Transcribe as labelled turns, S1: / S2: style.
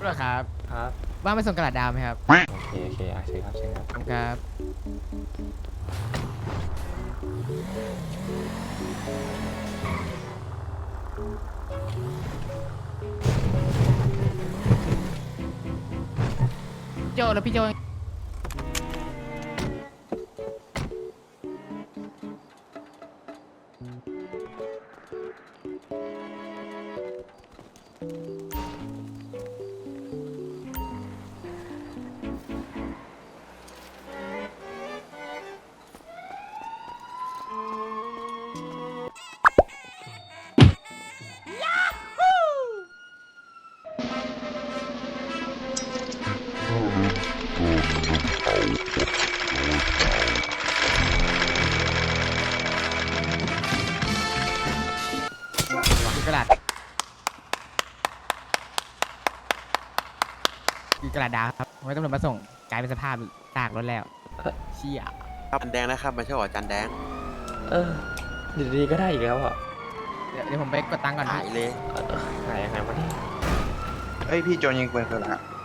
S1: รวจครับ
S2: ครับ
S1: ว่างไปส่งกระดาษดาวไหมครับ
S2: โอเคโอเคเชิญครับเชิญครับ
S1: ขอบคุณครับโจแล้วพี่โจคือกระดาษคือกระดาษดาวครับไม่ต้องตำรวจมาส่งกลายเป็นสภาพตากรถแล้วเชี่ย
S3: ครับจันแดงนะครับมาช่วยเหรอจันแดง
S2: เอออยู่ดีๆก็ได้อีกแล้วอ่ะ
S1: เดี๋ยวผมไปกดตังค์ก่อน
S3: หายเลย
S2: หายยังไงวะเนี่ย
S4: เฮ้ยพี่โจรยิงปืนคืออะไรฮะ